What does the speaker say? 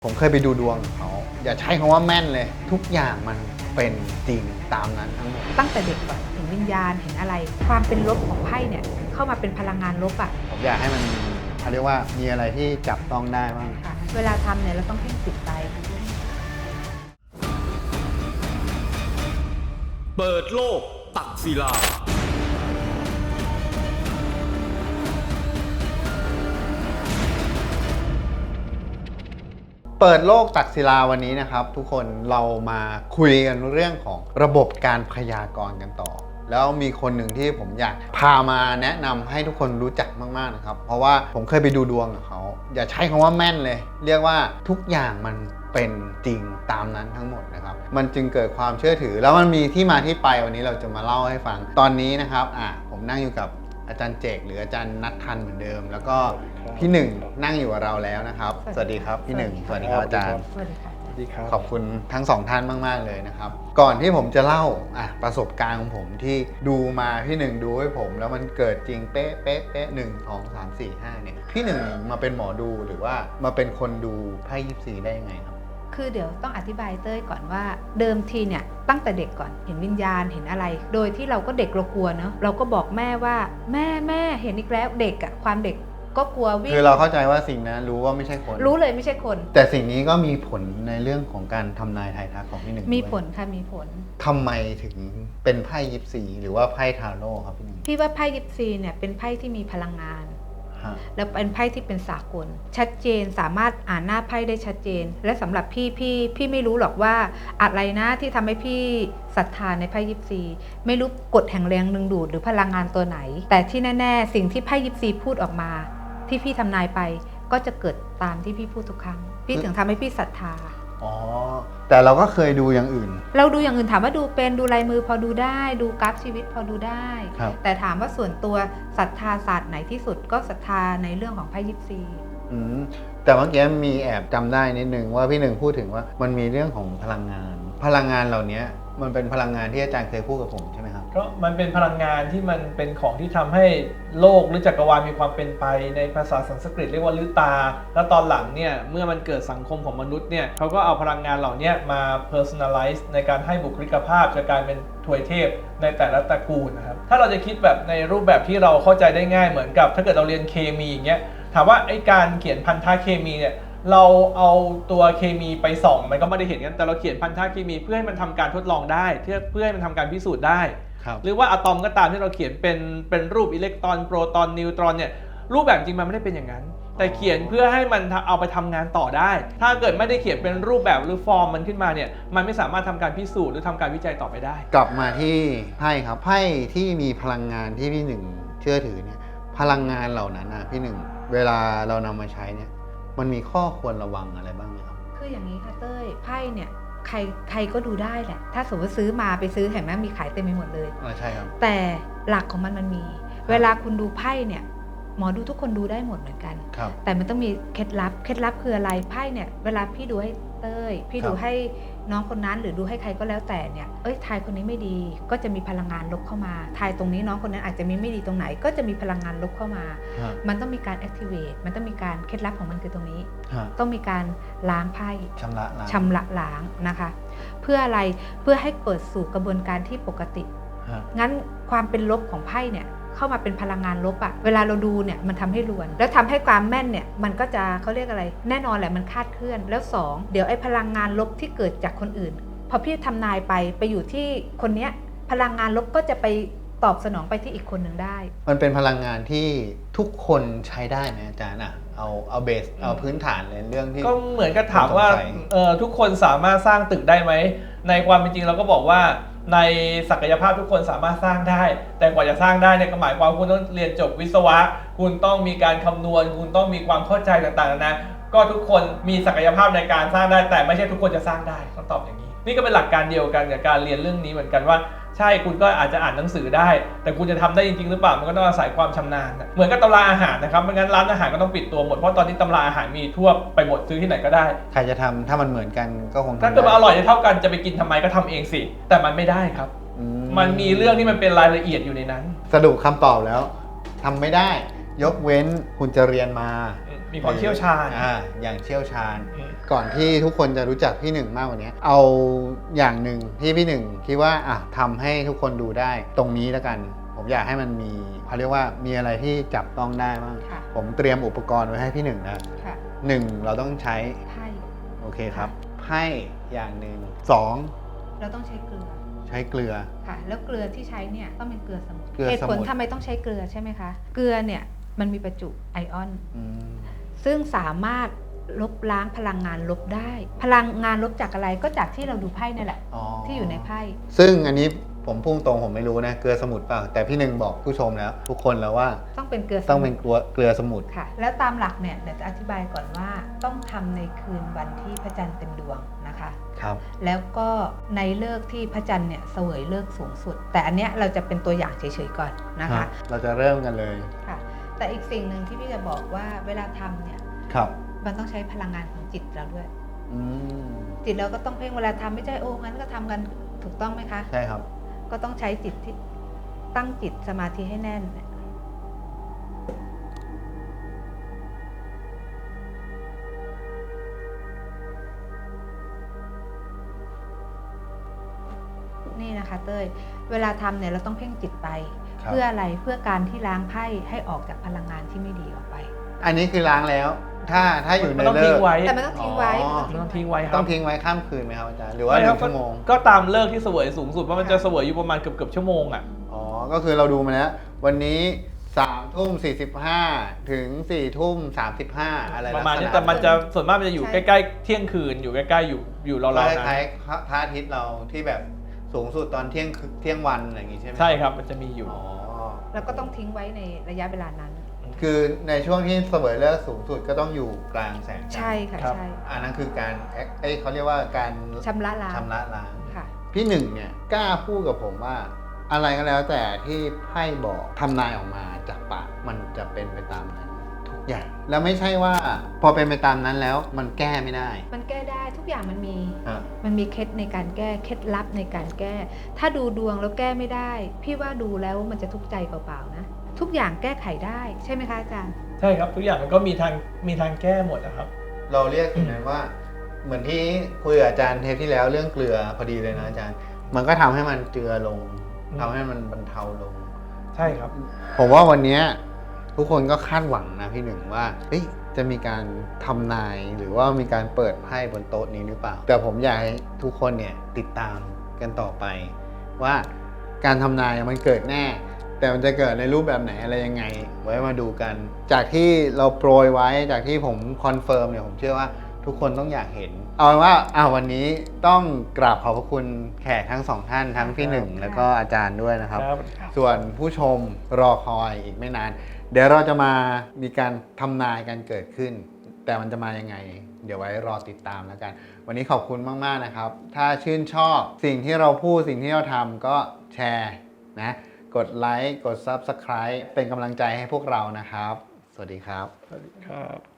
ผมเคยไปดูดวงของเขาอย่าใช้คำว่าแม่นเลยทุกอย่างมันเป็นจริงตามนั้นทั้งหมดตั้งแต่เด็กก่อนเห็นวิญญาณเห็นอะไร ความเป็นลบของไพ่เนี่ยเข้ามาเป็นพลังงานลบอ่ะผมอยากให้มันเขาเรียกว่ามีอะไรที่จับต้องได้บ้างค่ะเวลาทำเนี่ยเราต้องเพ่งจิตใจเปิดโลกตักศิลาเปิดโลกตักศิลาวันนี้นะครับทุกคนเรามาคุยกันเรื่องของระบบการพยากรณ์กันต่อแล้วมีคนหนึ่งที่ผมอยากพามาแนะนำให้ทุกคนรู้จักมากๆนะครับเพราะว่าผมเคยไปดูดวงกับเขาอย่าใช้คำว่าแม่นเลยเรียกว่าทุกอย่างมันเป็นจริงตามนั้นทั้งหมดนะครับมันจึงเกิดความเชื่อถือแล้วมันมีที่มาที่ไปวันนี้เราจะมาเล่าให้ฟังตอนนี้นะครับผมนั่งอยู่กับอาจารย์เจกหรืออาจารย์นัททันเหมือนเดิมแล้วก็พี่หนึ่งนั่งอยู่กับเราแล้วนะครับสวัสดีครับพี่หนึ่งสวัสดีครับอาจารย์สวัสดีค่ะขอบคุณทั้งสองท่านมากๆเลยนะครับก่อนที่ผมจะเล่าประสบการณ์ของผมที่ดูมาพี่หนึ่งดูให้ผมแล้วมันเกิดจริงเป๊ะเป๊ะเป๊ะ1 2 3 4 5เนี่ยพี่หนึ่งมาเป็นหมอดูหรือว่ามาเป็นคนดูไพ่ยิปซีได้ยังไงครับคือเดี๋ยวต้องอธิบายเต้ยก่อนว่าเดิมทีเนี่ยตั้งแต่เด็กก่อนเห็นวิญญาณเห็นอะไรโดยที่เราก็เด็กเรากลัวเนาะเราก็บอกแม่ว่าแม่เห็นอีกแล้วเด็กอะความเด็กก็กลัววิ่งคือเราเข้าใจว่าสิ่งนั้นรู้ว่าไม่ใช่คนรู้เลยไม่ใช่คนแต่สิ่งนี้ก็มีผลในเรื่องของการทำนายทายทักของพี่หนึ่งมีผลค่ะมีผลทำไมถึงเป็นไพ่ยิปซีหรือว่าไพ่ทาโร่ครับพี่หนึ่งพี่ว่าไพ่ยิปซีเนี่ยเป็นไพ่ที่มีพลังงานแล้วเป็นไพ่ที่เป็นสากลชัดเจนสามารถอ่านหน้าไพ่ได้ชัดเจนและสำหรับพี่ไม่รู้หรอกว่าอะไรนะที่ทำให้พี่ศรัทธาในไพ่ยิปซีไม่รู้กฎแห่งแรงดึงดูดหรือพลังงานตัวไหนแต่ที่แน่ๆสิ่งที่ไพ่ยิปซีพูดออกมาที่พี่ทำนายไปก็จะเกิดตามที่พี่พูดทุกครั้งพี่ถึงทำให้พี่ศรัทธาอ๋อแต่เราก็เคยดูอย่างอื่นเราดูอย่างอื่นถามว่าดูเป็นดูลายมือพอดูได้ดูกราฟชีวิตพอดูได้แต่ถามว่าส่วนตัวศรัทธาศาสตร์ไหนที่สุดก็ศรัทธาในเรื่องของไพ่ยิปซีแต่เมื่อกี้มีแอบจำได้นิดนึงว่าพี่หนึ่งพูดถึงว่ามันมีเรื่องของพลังงานเหล่านี้มันเป็นพลังงานที่อาจารย์เคยพูดกับผมใช่ไหมครับก็มันเป็นพลังงานที่มันเป็นของที่ทำให้โลกหรือจักรวาลมีความเป็นไปในภาษาสันสกฤตเรียกว่าฤตาแล้วตอนหลังเนี่ยเมื่อมันเกิดสังคมของมนุษย์เนี่ยเขาก็เอาพลังงานเหล่านี้มา personalize ในการให้บุคลิกภาพจากการเป็นถวยเทพในแต่ละตระกูลนะครับถ้าเราจะคิดแบบในรูปแบบที่เราเข้าใจได้ง่ายเหมือนกับถ้าเกิดเราเรียนเคมีอย่างเงี้ยถามว่าไอ้การเขียนพันธะเคมีเนี่ยเราเอาตัวเคมีไปส่องมันก็ไม่ได้เห็นกันแต่เราเขียนพันธะเคมีเพื่อให้มันทำการทดลองได้เพื่อให้มันทำการพิสูจน์ได้หรือว่าอะตอมก็ตามที่เราเขียนเป็นรูปอิเล็กตรอนโปรตอนนิวตรอนเนี่ยรูปแบบจริงมันไม่ได้เป็นอย่างนั้นแต่เขียนเพื่อให้มันเอาไปทำงานต่อได้ถ้าเกิดไม่ได้เขียนเป็นรูปแบบหรือฟอร์มมันขึ้นมาเนี่ยมันไม่สามารถทำการพิสูจน์หรือทำการวิจัยต่อไปได้กลับมาที่ไพ่ครับไพ่ที่มีพลังงานที่พี่หนึ่งเชื่อถือเนี่ยพลังงานเหล่านั้นนะพี่หนึ่งเวลาเรานำมาใช้เนี่ยมันมีข้อควรระวังอะไรบ้างไหมครับคืออย่างนี้ค่ะเต้ยไพ่เนี่ยใครก็ดูได้แหละถ้าสมมติซื้อมาไปซื้อเห็นไหมมีขายเต็มไปหมดเลยใช่ครับแต่หลักของมันมีเวลาคุณดูไพ่เนี่ยหมอดูทุกคนดูได้หมดเหมือนกันแต่มันต้องมีเคล็ดลับคืออะไรไพ่เนี่ยเวลาพี่ดูให้เต้ยพี่ดูให้น้องคนนั้นหรือดูให้ใครก็แล้วแต่เนี่ยทายคนนี้ไม่ดีก็จะมีพลังงานลบเข้ามาทายตรงนี้น้องคนนั้นอาจจะมีไม่ดีตรงไหนก็จะมีพลังงานลบเข้ามามันต้องมีการ activate มันต้องมีการเคล็ดลับของมันคือตรงนี้ต้องมีการล้างไพ่ชำระล้างนะคะเพื่ออะไรเพื่อให้เปิดสู่กระบวนการที่ปกติงั้นความเป็นลบของไพ่เนี่ยเข้ามาเป็นพลังงานลบอะเวลาเราดูเนี่ยมันทำให้รวนแล้วทำให้ความแม่นเนี่ยมันก็จะเขาเรียกอะไรแน่นอนแหละมันคาดเคลื่อนแล้ว2เดี๋ยวไอ้พลังงานลบที่เกิดจากคนอื่นพอพี่ทำนายไปอยู่ที่คนเนี้ยพลังงานลบก็จะไปตอบสนองไปที่อีกคนหนึ่งได้มันเป็นพลังงานที่ทุกคนใช้ได้ไหมอาจารย์เอาเบสเอาพื้นฐานเลยเรื่องที่ก็เหมือนกับถามว่าทุกคนสามารถสร้างตึกได้ไหมในความเป็นจริงเราก็บอกว่าในศักยภาพทุกคนสามารถสร้างได้แต่กว่าจะสร้างได้เนี่ยก็หมายความคุณต้องเรียนจบวิศวะคุณต้องมีการคำนวณคุณต้องมีความเข้าใจต่างๆนะก็ทุกคนมีศักยภาพในการสร้างได้แต่ไม่ใช่ทุกคนจะสร้างได้ต้องตอบอย่างนี้นี่ก็เป็นหลักการเดียวกันกับการเรียนเรื่องนี้เหมือนกันว่าใช่คุณก็อาจจะอ่านหนังสือได้แต่คุณจะทำได้จริงๆหรือเปล่ามันก็ต้องอาศัยความชำนาญเหมือนกับตำราอาหารนะครับไม่งั้นร้านอาหารก็ต้องปิดตัวหมดเพราะตอนนี้ตำราอาหารมีทั่วไปหมดซื้อที่ไหนก็ได้ใครจะทำถ้ามันเหมือนกันก็คงถ้าเกิดมันอร่อยเท่ากันจะไปกินทำไมก็ทำเองสิแต่มันไม่ได้ครับมันมีเรื่องที่มันเป็นรายละเอียดอยู่ในนั้นสรุปคำตอบแล้วทำไม่ได้ยกเว้นคุณจะเรียนมามีความเชี่ยวชาญอย่างเชี่ยวชาญอืมก่อนที่ทุกคนจะรู้จักพี่หนึ่งมากกว่านี้เอาอย่างหนึ่งที่พี่หนึ่งคิดว่าทำให้ทุกคนดูได้ตรงนี้แล้วกัน ผมอยากให้มันมีเขาเรียกว่ามีอะไรที่จับต้องได้บ้างค่ะผมเตรียมอุปกรณ์ไว้ให้พี่หนึ่งนะค่ะหนึ่งเราต้องใช้ไพ่โอเคครับค่ะไพ่อย่างหนึ่งสองเราต้องใช้เกลือใช้เกลือค่ะ แล้วเกลือที่ใช้เนี่ยต้องเป็นเกลือสมุนเกลือเหตุผลสมุนทำไมต้องใช้เกลือใช่ไหมคะ เกลือเนี่ยมันมีประจุไอออนอืมซึ่งสามารถลบล้างพลังงานลบได้ พลังงานลบจากอะไรก็จากที่เราดูไพ่นั่นแหละ ที่อยู่ในไพ่ซึ่งอันนี้ผมพุ่งตรงผมไม่รู้นะเกลือสมุนเปล่าแต่พี่หนึ่งบอกผู้ชมแล้ว ทุกคนแล้วว่าต้องเป็นเกลือสต้องมุเป็น นเกลือสมุนค่ะ แล้วตามหลักเนี่ยเดี๋ยวจะอธิบายก่อนว่าต้องทำในคืนวันที่พระจันทร์เต็มดวงนะคะครับแล้วก็ในเลิกษ์ที่พระจันทร์เนี่ยเสวยเลิกษ์สูงสุด แต่อันเนี้ยเราจะเป็นตัวอย่างเฉยๆก่อนนะคะเราจะเริ่มกันเลยค่ะ แต่อีกสิ่งหนึ่งที่พี่จะบอกว่าเวลาทำเนี่ยครับมันต้องใช้พลังงานของจิตเราด้วยอืมจิตเราก็ต้องเพ่งเวลาทำไม่ใช่โอ้งั้นก็ทำกันถูกต้องไหมคะใช่ครับก็ต้องใช้จิตที่ตั้งจิตสมาธิให้แน่น นี่นะคะเต้ย เวลาทำเนี่ยเราต้องเพ่งจิตไปครับเพื่ออะไร เพื่อการที่ล้างไพ่ให้ออกจากพลังงานที่ไม่ดีออกไปอันนี้คือล้างแล้ว ถ้าอยู่ในมันต้องเลิทิ้กงไว้แต่มันต้องทิ้งไว้อ๋อมันต้องทิ้งไว้ครัต้บองทิ้งไว้ข้ามคืนไหมครับอาจารย์หรือว่าหไม่คนึ่รับงชั่วโมงก็ตามเลิกที่เสวยสูงสุดเพราะมันจะเสวยอยู่ประมาณเกือบชั่วโมงอ่ะอ๋อ ก็คือเราดูมาแล้ว วันนี้3:45 ถึง4:35อะไรประมาณนี้ลักษณแต่มันจะส่วนมากมันจะอยู่ใช่ใกล้ๆเที่ยงคืนอยู่ใกล้ๆอยู่ก็ราวๆคนั้นล้ายๆพระอาทิตย์เราที่แบบสูงสุดตอนเที่ยงวันอะไรอย่างงี้ใช่ไหมใช่ครับมันจะมีอยู่อ๋อแล้วก็ต้องทิ้งไว้ในระยะเวลานั้นคือในช่วงที่เสวยเลิกษ์สูงสุดก็ต้องอยู่กลางแสงจันทร์ใช่ค่ะครับใช่อันนั้นคือการเขาเรียกว่าการชำระล้างชำระล้างค่ะพี่หนึ่งเนี่ยกล้าพูดกับผมว่า อะไรก็แล้วแต่ที่ไพ่บอกทำนายออกมาจากปากมันจะเป็นไปตามนั้นทุกอย่าง แล้วไม่ใช่ว่าพอเป็นไปตามนั้นแล้วมันแก้ไม่ได้มันแก้ได้ทุกอย่างมันมีฮะมันมีเคล็ดในการแก้เคล็ดลับในการแก้ ถ้าดูดวงแล้วแก้ไม่ได้ พี่ว่าดูแล้วมันจะทุกข์ใจเปล่าๆนะ ทุกอย่างแก้ไขได้ใช่ไหมคะอาจารย์ใช่ครับทุกอย่างมันก็มีทางแก้หมดนะครับเราเรียกอย่างนั้นว่า เหมือนที่คุยกับอาจารย์เทปที่แล้วเรื่องเกลือพอดีเลยนะอาจารย์ มันก็ทำให้มันเจือลงอืมทำให้มันบรรเทาลงใช่ครับผมว่าวันเนี้ยทุกคนก็คาดหวังนะพี่หนึ่งว่าเฮ้ยจะมีการทำนายหรือว่ามีการเปิดไพ่บนโต๊ะนี้หรือเปล่า แต่ผมอยากให้ทุกคนเนี่ยติดตามกันต่อไป ว่าการทำนายมันเกิดแน่ แต่มันจะเกิดในรูปแบบไหนอะไรยังไง ไว้มาดูกัน จากที่เราโปรยไว้จากที่ผมคอนเฟิร์มเนี่ยผมเชื่อว่าทุกคนต้องอยากเห็น เอาเป็นว่าวันนี้ต้องกราบขอบพระคุณแขกทั้งสองท่านทั้งพี่หนึ่งครับแล้วก็อาจารย์ด้วยนะครับครับส่วนผู้ชมรอคอยอีกไม่นาน เดี๋ยวเราจะมามีการทำนายกันเกิดขึ้น แต่มันจะมายังไง เดี๋ยวไว้รอติดตามแล้วกัน วันนี้ขอบคุณมากๆนะครับ ถ้าชื่นชอบสิ่งที่เราพูดสิ่งที่เราทำก็แชร์นะกดไลค์กด Subscribe เป็นกำลังใจให้พวกเรานะครับ สวัสดีครับสวัสดีครับ